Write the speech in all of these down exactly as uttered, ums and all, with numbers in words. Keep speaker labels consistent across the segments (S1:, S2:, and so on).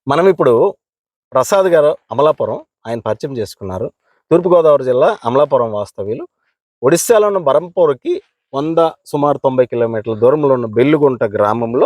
S1: మనం ఇప్పుడు ప్రసాద్ గారు అమలాపురం ఆయన పరిచయం చేసుకున్నారు. తూర్పుగోదావరి జిల్లా అమలాపురం వాస్తవ్యులు. ఒడిశాలో ఉన్న బరంపూర్‌కి వంద సుమారు తొంభై కిలోమీటర్ల దూరంలో ఉన్న బెల్లుగుంట గ్రామంలో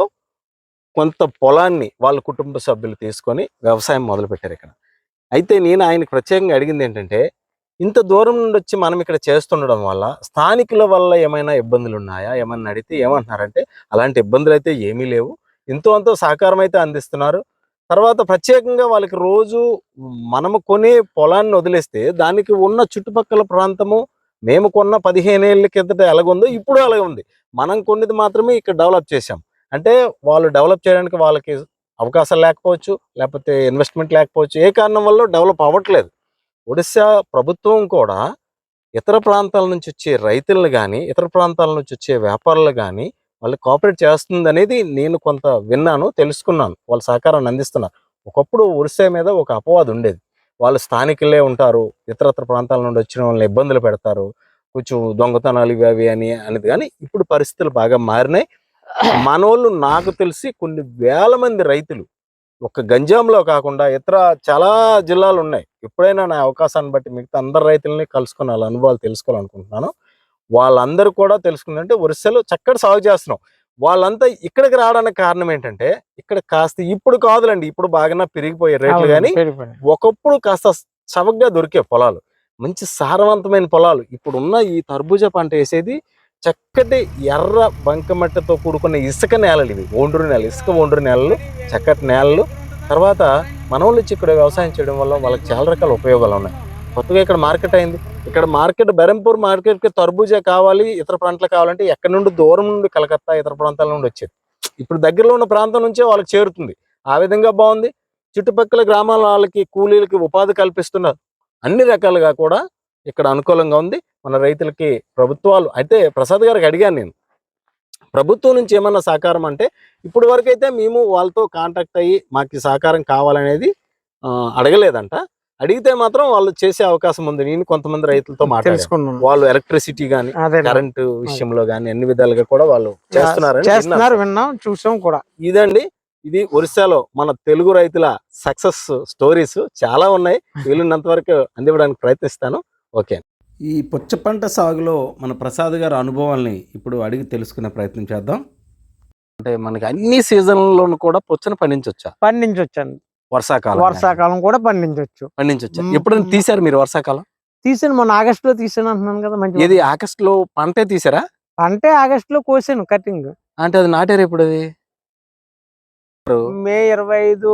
S1: కొంత పొలాన్ని వాళ్ళ కుటుంబ సభ్యులు తీసుకొని వ్యవసాయం మొదలుపెట్టారు ఇక్కడ. అయితే నేను ఆయనకు ప్రత్యేకంగా అడిగింది ఏంటంటే, ఇంత దూరం నుండి వచ్చి మనం ఇక్కడ చేస్తుండడం వల్ల స్థానికుల వల్ల ఏమైనా ఇబ్బందులు ఉన్నాయా? ఏమన్నా అడిగితే ఏమంటున్నారంటే, అలాంటి ఇబ్బందులు అయితే ఏమీ లేవు. ఎంతో అంతో సహకారం అయితే అందిస్తున్నారు. తర్వాత ప్రత్యేకంగా వాళ్ళకి రోజు మనము కొనే పొలాన్ని వదిలేస్తే దానికి ఉన్న చుట్టుపక్కల ప్రాంతము మేము కొన్న పదిహేను ఏళ్ళ కిందట ఎలాగుందో ఇప్పుడు అలాగే ఉంది. మనం కొన్నది మాత్రమే ఇక్కడ డెవలప్ చేశాం. అంటే వాళ్ళు డెవలప్ చేయడానికి వాళ్ళకి అవకాశాలు లేకపోవచ్చు, లేకపోతే ఇన్వెస్ట్మెంట్ లేకపోవచ్చు. ఏ కారణం వల్ల డెవలప్ అవ్వట్లేదు. ఒడిశా ప్రభుత్వం కూడా ఇతర ప్రాంతాల నుంచి వచ్చే రైతులను కానీ, ఇతర ప్రాంతాల నుంచి వచ్చే వ్యాపారులు కానీ వాళ్ళు కోఆపరేట్ చేస్తుందనేది నేను కొంత విన్నాను, తెలుసుకున్నాను. వాళ్ళ సహకారాన్ని అందిస్తున్నారు. ఒకప్పుడు ఒరిస్సా మీద ఒక అపవాదు ఉండేది. వాళ్ళు స్థానికులే ఉంటారు, ఇతరత్ర ప్రాంతాల నుండి వచ్చిన వాళ్ళని ఇబ్బందులు పెడతారు, కొంచెం దొంగతనాలు ఇవి అవి అని అనేది. కానీ ఇప్పుడు పరిస్థితులు బాగా మారినాయి. మనోళ్ళు నాకు తెలిసి కొన్ని వేల మంది రైతులు ఒక గంజాంలో కాకుండా ఇతర చాలా జిల్లాలు ఉన్నాయి. ఎప్పుడైనా నా అవకాశాన్ని బట్టి మిగతా అందరు రైతులని కలుసుకుని వాళ్ళ అనుభవాలు తెలుసుకోవాలనుకుంటున్నాను. వాళ్ళందరూ కూడా తెలుసుకుందంటే ఒరిస్సాలో చక్కటి సాగు చేస్తున్నాం. వాళ్ళంతా ఇక్కడికి రావడానికి కారణం ఏంటంటే, ఇక్కడ కాస్త ఇప్పుడు కాదులండి, ఇప్పుడు బాగా పెరిగిపోయే రేట్లు. కానీ ఒకప్పుడు కాస్త చవకగా దొరికే పొలాలు, మంచి సారవంతమైన పొలాలు. ఇప్పుడున్న ఈ తర్బూజా పంట వేసేది చక్కటి ఎర్ర బంకమట్టితో కూడుకున్న ఇసుక నేలలు. ఇవి ఒండ్రు నేలలు, ఇసుక ఒండ్రు నేలలు, చక్కటి నేలలు. తర్వాత మనోళ్ళు వచ్చి ఇక్కడ వ్యవసాయం చేయడం వల్ల వాళ్ళకి చాలా రకాల ఉపయోగాలు ఉన్నాయి. కొత్తగా ఇక్కడ మార్కెట్ అయింది. ఇక్కడ మార్కెట్ బెరంపూర్ మార్కెట్కి తర్బూజా కావాలి, ఇతర ప్రాంతాలు కావాలంటే ఎక్కడి నుండి దూరం నుండి కలకత్తా ఇతర ప్రాంతాల నుండి వచ్చేది. ఇప్పుడు దగ్గరలో ఉన్న ప్రాంతం నుంచే వాళ్ళకి చేరుతుంది. ఆ విధంగా బాగుంది. చుట్టుపక్కల గ్రామాల వాళ్ళకి కూలీలకి ఉపాధి కల్పిస్తున్నారు. అన్ని రకాలుగా కూడా ఇక్కడ అనుకూలంగా ఉంది. మన రైతులకి ప్రభుత్వాలు అయితే ప్రసాద్ గారికి అడిగాను నేను, ప్రభుత్వం నుంచి ఏమన్నా సహకారం అంటే, ఇప్పుడు వరకు అయితే మేము వాళ్ళతో కాంటాక్ట్ అయ్యి మాకు సహకారం కావాలనేది అడగలేదంట. అడిగితే మాత్రం వాళ్ళు చేసే అవకాశం ఉంది. నేను కొంతమంది రైతులతో మాట్లాడుకున్నాను. వాళ్ళు ఎలక్ట్రిసిటీ కానీ కరెంటు విషయంలో కానీ అన్ని విధాలుగా కూడా వాళ్ళు చేస్తున్నారు, విన్నాం, చూసాం కూడా. ఇదండి, ఇది ఒరిస్సాలో మన తెలుగు రైతుల సక్సెస్ స్టోరీస్ చాలా ఉన్నాయి. వీలున్నంత వరకు అందివ్వడానికి ప్రయత్నిస్తాను. ఓకే. ఈ పుచ్చ పంట సాగులో మన ప్రసాద్ గారి అనుభవాల్ని ఇప్పుడు అడిగి తెలుసుకునే ప్రయత్నం చేద్దాం. అంటే మనకి అన్ని సీజన్లోనూ కూడా పుచ్చను పండించవచ్చా?
S2: పండించవచ్చండి.
S1: వర్షాకాలం
S2: వర్షాకాలం కూడా పండించవచ్చు.
S1: పండించవచ్చు. ఎప్పుడైనా తీసారు మీరు వర్షాకాలం?
S2: తీసాను, మొన్న ఆగస్ట్ లో తీసాను అంటున్నాను కదా. మంచి
S1: ఇది ఆగస్ట్ లో పంటే తీసారా?
S2: పంటే ఆగస్ట్ లో కోసాను కటింగ్.
S1: అంటే అది నాటారు ఎప్పుడు? అది
S2: మే ఇరవై ఐదు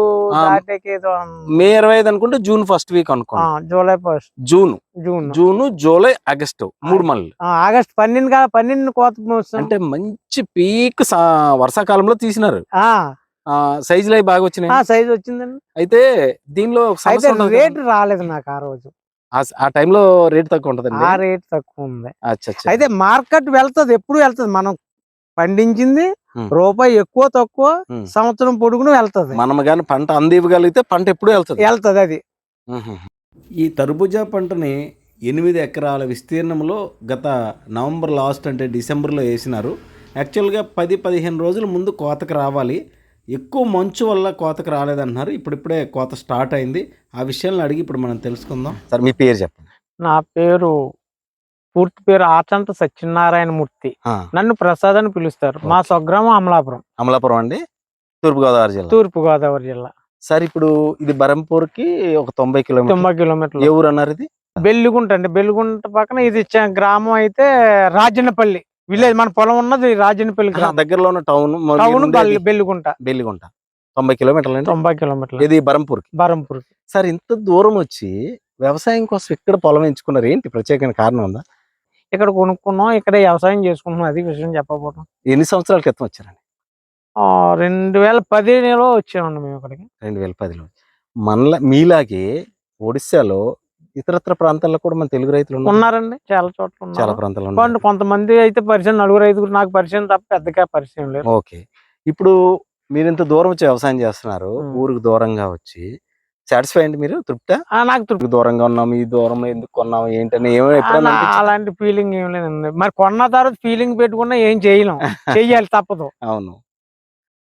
S1: మే ఇరవై ఐదు అనుకుంటే జూన్ ఫస్ట్ వీక్ అనుకో.
S2: July first
S1: June June June July August మూడు మళ్ళీ
S2: ఆగస్ట్ పన్నెండు కదా, పన్నెండు కోత.
S1: అంటే మంచి పీక్ వర్షాకాలంలో తీసినారు. సైజులు అవి బాగా వచ్చినాయి.
S2: సైజ్ వచ్చిందండి.
S1: అయితే దీనిలో
S2: రేట్ రాలేదు నాకు ఆ రోజు.
S1: ఆ టైంలో రేట్ తక్కువ ఉంటది.
S2: ఆ రేట్ తక్కువ ఉంది. అయితే మార్కెట్ వెళ్తుంది, ఎప్పుడు వెళ్తుంది. మనం పండించింది రూపాయి ఎక్కువ తక్కువ సంవత్సరం పొడుగును వెళ్తుంది.
S1: మనం కానీ పంట అందివ్వగలిగితే పంట ఎప్పుడు వెళ్తుంది
S2: వెళ్తుంది అది.
S1: ఈ తర్బూజా పంటని ఎనిమిది ఎకరాల విస్తీర్ణంలో గత నవంబర్ లాస్ట్ అంటే డిసెంబర్లో వేసినారు. యాక్చువల్గా పది పదిహేను రోజుల ముందు కోతకు రావాలి. ఎక్కువ మంచు వల్ల కోతకు రాలేదంటున్నారు. ఇప్పుడిప్పుడే కోత స్టార్ట్ అయింది. ఆ విషయాలను అడిగి ఇప్పుడు మనం తెలుసుకుందాం. సార్ మీ పేరు చెప్పండి.
S2: నా పేరు పూర్తి పేరు ఆచంత సత్యనారాయణ మూర్తి. నన్ను ప్రసాద్ అని పిలుస్తారు. మా స్వగ్రామం అమలాపురం.
S1: అమలాపురం అండి, తూర్పుగోదావరి జిల్లా.
S2: తూర్పుగోదావరి జిల్లా.
S1: సార్ ఇప్పుడు ఇది బరంపూర్ కి ఒక తొంభై కిలోమీటర్
S2: తొంభై కిలోమీటర్లు.
S1: ఏ ఊరు అన్నారు? ఇది
S2: బెల్లుగుంట అండి. బెల్లుగుంట పక్కన ఇది గ్రామం అయితే రాజన్నపల్లి విలేజ్. మన పొలం ఉన్నది రాజన్నపల్లి గ్రామం.
S1: దగ్గరలో ఉన్న టౌన్
S2: టౌన్ బెల్లుగుంట.
S1: బెల్లుగుంట తొంభై కిలోమీటర్లు.
S2: తొంభై కిలోమీటర్లు.
S1: ఇది బరంపూర్.
S2: బరంపూర్.
S1: సార్ ఇంత దూరం వచ్చి వ్యవసాయం కోసం ఇక్కడ పొలం ఎంచుకున్నారు, ఏంటి ప్రత్యేకమైన కారణం ఉందా?
S2: ఇక్కడ కొనుక్కున్నాం, ఇక్కడ వ్యవసాయం చేసుకుంటున్నాం. అది విషయం చెప్పకపోవడం.
S1: ఎన్ని సంవత్సరాల క్రితం వచ్చారండి?
S2: రెండు వేల పదిహేనులో వచ్చామండి మేము ఇక్కడికి.
S1: రెండు వేల పదిలో. మనలా మీలాగే ఒడిశాలో ఇతరత్ర ప్రాంతాల్లో కూడా మన తెలుగు రైతులు
S2: ఉన్నారండి. చాలా చోట్ల
S1: చాలా ప్రాంతాల్లో
S2: కొంతమంది అయితే పరిచయం, నలుగురు ఐదుగురు నాకు పరిచయం తప్ప పెద్దగా పరిచయం లేదు.
S1: ఓకే. ఇప్పుడు మీరు ఇంత దూరం వచ్చి వ్యవసాయం చేస్తున్నారు, ఊరికి దూరంగా వచ్చి సాటిస్ఫై అండి మీరు? తృప్త?
S2: నాకు తృప్తి.
S1: దూరంగా ఉన్నాము, ఈ దూరంలో ఎందుకు కొన్నాము ఏంటని
S2: అలాంటి ఫీలింగ్ ఏం లేదండి. మరి కొన్న తర్వాత ఫీలింగ్ పెట్టుకున్నా ఏం చేయలేం, చెయ్యాలి తప్పదు.
S1: అవును.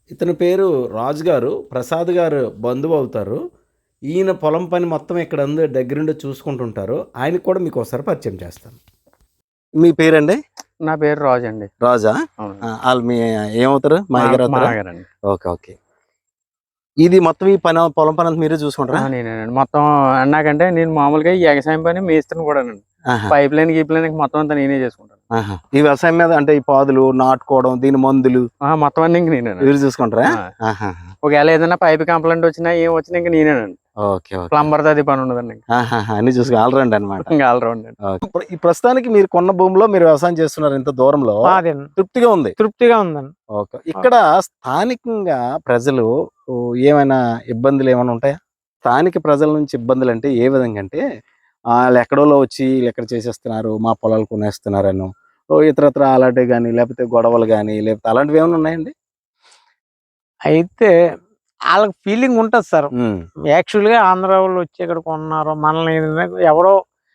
S1: ఇతని పేరు రాజు గారు, ప్రసాద్ గారు బంధువు అవుతారు. ఈయన పొలం పని మొత్తం ఇక్కడ ఉంది, దగ్గరుండి చూసుకుంటుంటారు. ఆయనకు కూడా మీకు ఒకసారి పరిచయం చేస్తాను. మీ పేరండి?
S3: నా పేరు రాజు అండి.
S1: రాజా? వాళ్ళు మీ ఏమవుతారు? మా
S3: మామగారండి.
S1: Okay okay. ఇది మొత్తం ఈ పని పొలం పని అంతా మీరే చూసుకుంటారా?
S3: నేనేనండి మొత్తం. అన్నాకంటే నేను మామూలుగా ఈ ఎగసాయం పని మేస్తాను కూడా. పైప్ లైన్ గీప్ లైన్ మొత్తం అంతా నేనే చేసుకుంటాను.
S1: ఈ వ్యవసాయం మీద అంటే ఈ పాదులు నాటుకోవడం, దీని మందులు
S3: మొత్తం అన్ని ఇంక నేనే
S1: మీరు చూసుకుంటారా?
S3: ఒకవేళ ఏదైనా పైప్ కంప్లైంట్ వచ్చినా ఏం వచ్చినా ఇంక నేనేనండి. ప్లంబర్ అది పని ఉండదండి.
S1: అన్ని చూసుకుని ఆల్రౌండ్ అనమాట.
S3: ఆల్రౌండ్.
S1: ఈ ప్రస్తుతానికి మీరు కొన్న భూమిలో మీరు వ్యవసాయం చేస్తున్నారు, ఇంత దూరంలో తృప్తిగా ఉంది?
S2: తృప్తిగా ఉందండి.
S1: ఓకే. ఇక్కడ స్థానికంగా ప్రజలు ఏమైనా ఇబ్బందులు ఏమైనా ఉంటాయా? స్థానిక ప్రజల నుంచి ఇబ్బందులు అంటే ఏ విధంగా అంటే, వాళ్ళు ఎక్కడోలో వచ్చి వీళ్ళు ఎక్కడ చేసేస్తున్నారు, మా పొలాలు కొనేస్తున్నారను ఇతరత్ర అలాంటివి కానీ, లేకపోతే గొడవలు కానీ, లేకపోతే అలాంటివి ఏమైనా ఉన్నాయండి?
S2: అయితే వాళ్ళకి ఫీలింగ్ ఉంటుంది సార్. యాక్చువల్ గా ఆంధ్ర వాళ్ళు వచ్చి ఇక్కడ కొన్నారు మనల్ని, ఎవడో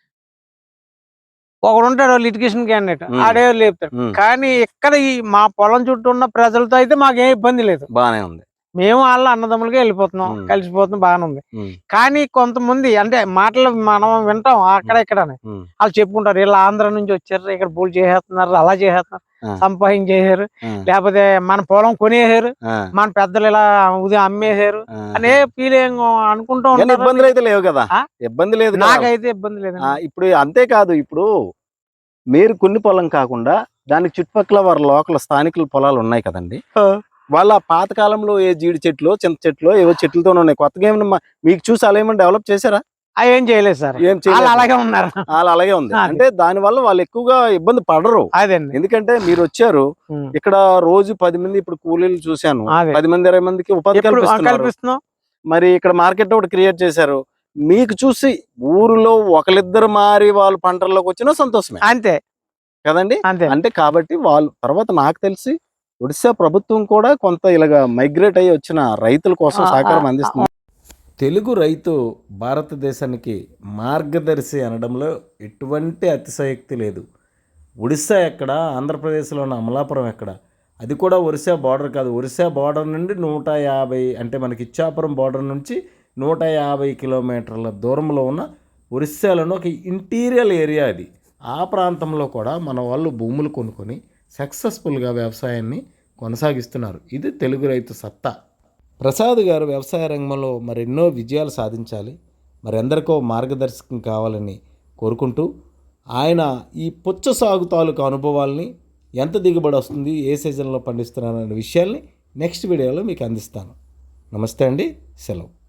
S2: ఒకడు ఉంటాడు లిటిగేషన్ క్యాండిడేట్, ఆడే లేపుతాడు. కానీ ఇక్కడ ఈ మా పొలం చుట్టూ ఉన్న ప్రజలతో అయితే మాకేం ఇబ్బంది లేదు,
S1: బాగానే ఉంది.
S2: మేము వాళ్ళ అన్నదమ్ములుగా వెళ్ళిపోతున్నాం, కలిసిపోతున్నాం, బాగానే ఉంది. కానీ కొంతమంది అంటే మాటలు మనం వింటాం అక్కడ ఇక్కడ, వాళ్ళు చెప్పుకుంటారు వీళ్ళు ఆంధ్ర నుంచి వచ్చారు, ఇక్కడ పూలు చేసేస్తున్నారు, అలా చేసేస్తున్నారు, సంపాదించేసారు, లేకపోతే మన పొలం కొనేసారు, మన పెద్దలు ఇలా ఉదయం అమ్మేశారు అనే ఫీలింగ్ అనుకుంటూ ఉంటారు.
S1: ఇబ్బందులు అయితే లేవు కదా? ఇబ్బంది లేదు,
S2: నాకైతే ఇబ్బంది లేదు.
S1: ఇప్పుడు అంతేకాదు, ఇప్పుడు మీరు కొన్ని పొలం కాకుండా దానికి చుట్టుపక్కల వారి లోకల్ స్థానికుల పొలాలు ఉన్నాయి కదండి, వాళ్ళ పాతకాలంలో ఏ జీడి చెట్లు, చింత చెట్లు, ఏవో చెట్లతో ఉన్నాయి. కొత్తగా ఏమన్నా మీకు చూసి అలా ఏమైనా డెవలప్ చేశారా?
S2: ఏం చేయలేదు సార్, ఏం చేయలేదు, అలాగే ఉన్నారు.
S1: వాళ్ళు అలాగే ఉంది అంటే దాని వల్ల వాళ్ళు ఎక్కువగా ఇబ్బంది పడరు.
S2: అదండి,
S1: ఎందుకంటే మీరు వచ్చారు ఇక్కడ రోజు పది మంది, ఇప్పుడు కూలీలు చూశాను, పది మంది ఇరవై మందికి ఉపాధి కల్పిస్తున్నాం. మరి ఇక్కడ మార్కెట్ ఒకటి క్రియేట్ చేశారు. మీకు చూసి ఊరిలో ఒకరిద్దరు మారి వాళ్ళు పంటల్లోకి వచ్చినా సంతోషమే,
S2: అంతే
S1: కదండి? అంటే కాబట్టి వాళ్ళు తర్వాత నాకు తెలిసి ఒడిశా ప్రభుత్వం కూడా కొంత ఇలాగా మైగ్రేట్ అయ్యి వచ్చిన రైతుల కోసం సహకారం అందిస్తుంది. తెలుగు రైతు భారతదేశానికి మార్గదర్శి అనడంలో ఎటువంటి అతిశయోక్తి లేదు. ఒడిశా ఎక్కడ, ఆంధ్రప్రదేశ్లో ఉన్న అమలాపురం ఎక్కడ, అది కూడా ఒరిస్సా బార్డర్ కాదు, ఒరిస్సా బార్డర్ నుండి నూట యాభై అంటే మనకి ఇచ్చాపురం బార్డర్ నుంచి నూట యాభై కిలోమీటర్ల దూరంలో ఉన్న ఒరిస్సాలోని ఒక ఇంటీరియర్ ఏరియా అది. ఆ ప్రాంతంలో కూడా మన వాళ్ళు భూములు కొనుక్కొని సక్సెస్ఫుల్గా వ్యవసాయాన్ని కొనసాగిస్తున్నారు. ఇది తెలుగు రైతు సత్తా. ప్రసాద్ గారు వ్యవసాయ రంగంలో మరెన్నో విజయాలు సాధించాలి, మరి ఎందరికో మార్గదర్శకం కావాలని కోరుకుంటూ, ఆయన ఈ పుచ్చ సాగు తాలూకు అనుభవాల్ని, ఎంత దిగుబడి వస్తుంది, ఏ సీజన్లో పండిస్తున్నారనే విషయాల్ని నెక్స్ట్ వీడియోలో మీకు అందిస్తాను. నమస్తే అండి, సెలవు.